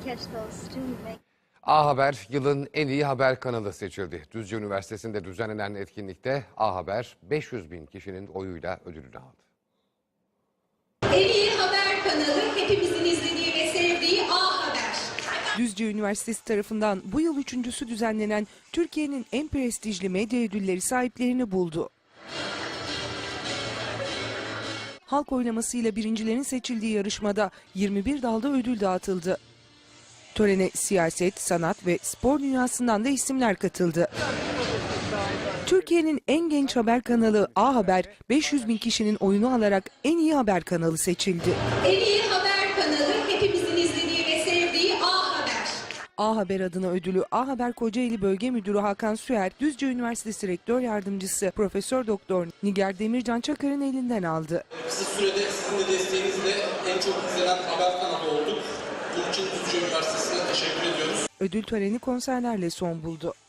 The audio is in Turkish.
A Haber yılın en iyi haber kanalı seçildi. Düzce Üniversitesi'nde düzenlenen etkinlikte A Haber 500 bin kişinin oyuyla ödülünü aldı. En iyi haber kanalı hepimizin izlediği ve sevdiği A Haber. Düzce Üniversitesi tarafından bu yıl üçüncüsü düzenlenen Türkiye'nin en prestijli medya ödülleri sahiplerini buldu. Halk oylamasıyla birincilerin seçildiği yarışmada 21 dalda ödül dağıtıldı. Törene siyaset, sanat ve spor dünyasından da isimler katıldı. Türkiye'nin en genç haber kanalı A Haber, 500 bin kişinin oyunu alarak en iyi haber kanalı seçildi. En iyi haber kanalı hepimizin izlediği ve sevdiği A Haber. A Haber adına ödülü A Haber Kocaeli Bölge Müdürü Hakan Süer, Düzce Üniversitesi Rektör Yardımcısı Profesör Doktor Nigar Demircan Çakar'ın elinden aldı. Kısa sürede sizin de desteğinizle en çok izlenen haber kanalı olduk. Bunun için Düzce Üniversitesi'ne teşekkür ediyoruz. Ödül töreni konserlerle son buldu.